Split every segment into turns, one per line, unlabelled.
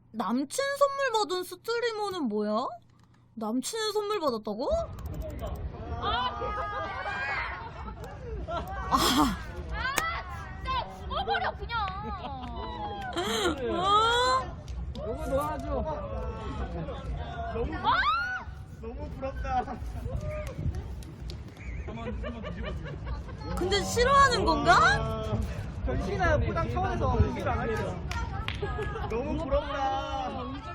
남친 선물 받은 스트리머는 뭐야? 남친 선물 받았다고?
진짜 죽어버려 그냥.
요거 놓아줘.
너무 부럽다.
근데 싫어하는 건가?
변신아 포장 차원에서 보기를 안 할게요.
너무 부럽다.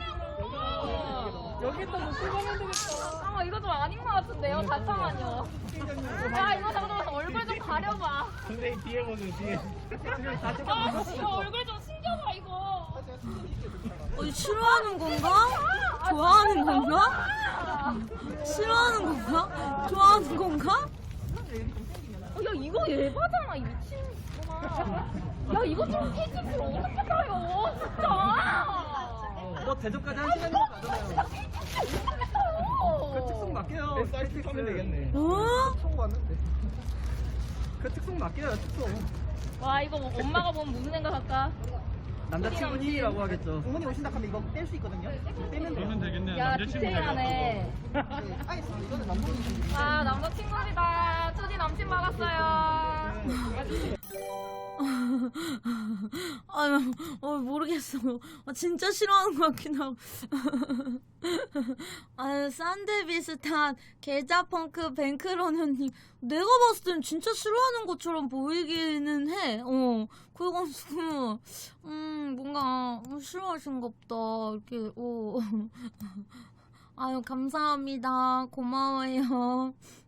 여기 또 놓고 가면 되겠다.
이거 좀 아닌 것 같은데요? 잠깐만요. 야 이거 잠깐만 얼굴 좀 가려봐.
선생님 뒤에 보세요 뒤에.
이거 얼굴 좀 숨겨봐 이거.
싫어하는 건가? 좋아하는 건가? 싫어하는 건가? 좋아하는 건가?
야 이거 예바잖아 이 미친놈아. 야 이거 좀 페이지를 어떻게 가요 진짜.
너 대접까지 한 시간 정도 가잖아요. 그 특성 맡겨요.
사이트 하면 되겠네.
총 왔는데. 그 특성 맡겨요 특성.
와 이거 뭐 엄마가 보면 무슨 생각할까?
남자친구니라고 하겠죠. 부모님 오신다 하면 이거 뗄 수 있거든요. 떼면
되겠네요.
야 디테일하네.
알겠습니다. 이거는 남부님.
아 남자친구입니다. 투디 남친 받았어요.
모르겠어. 진짜 싫어하는 것 같긴 하고. 싼데 비슷한 계좌펑크 뱅크런언니. 내가 봤을 땐 진짜 싫어하는 것처럼 보이기는 해. 그래가지고, 뭔가, 싫어하신가 보다. 이렇게, 아유, 감사합니다. 고마워요.